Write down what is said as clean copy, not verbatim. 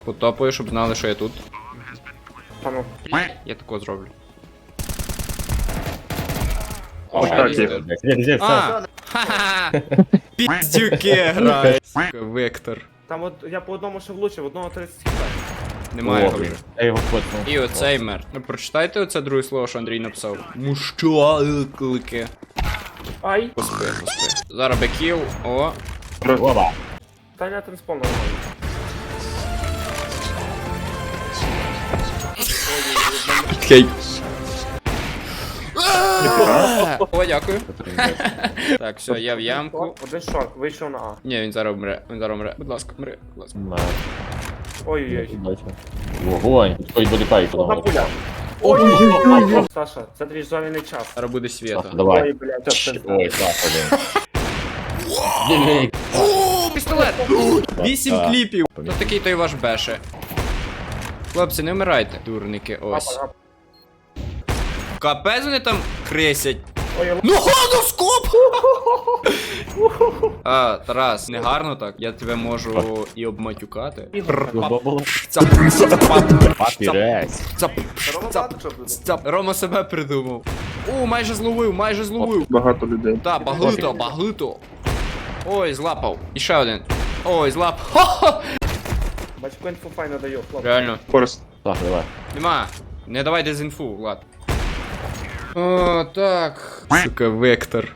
Потопаю, щоб знали, що я тут. Пану. Я такого зроблю. О, так є. Где, А! Ха-ха! Піздюки грають. Сука, Вектор. Там от я по одному ще влучив, одного 30 хп. Немає його вже. Я його фотнув. І оцей мер. Ну прочитайте оце друге слово, що Андрій написав. Мущалики. Ай! Поспи. Зараз бекіл. О. Оба. Та я транспон нормально. Окей. О, дякую. Так, все, я в ямку. Один шорт, вийшов на А. Ні, він зараз вмре. Він зараз вмре. Будь ласка, вмре. Будь ласка. Ой-ой-ой. Вогонь. Ой, буде пайк. Одна пуля. Ой-ой-ой. Саша, це твій зоряний час. Зараз буде світа. Ой, Давай. блядь, це пизда. Ой, так, один. О, пістолет! 8 кліпів! Ну такий той ваш беше. Хлопці, не вмирайте. Дурники, ось. Апа, апа. Капець вони там крисять. Ой, Ну скоп! А, Тарас, не гарно так? Я тебе можу і обматюкати. Папірець. Рома себе придумав. О, майже зловив. Багато людей. Так, багато. Ой, злапав. І ще один. Ой, злапав. Хо-хо! Бачку інфу файно даю, хлопці. Реально. Форест. Так, давай. Нема. Не давай дезінфу, Влад. О, так. Сука, Вектор.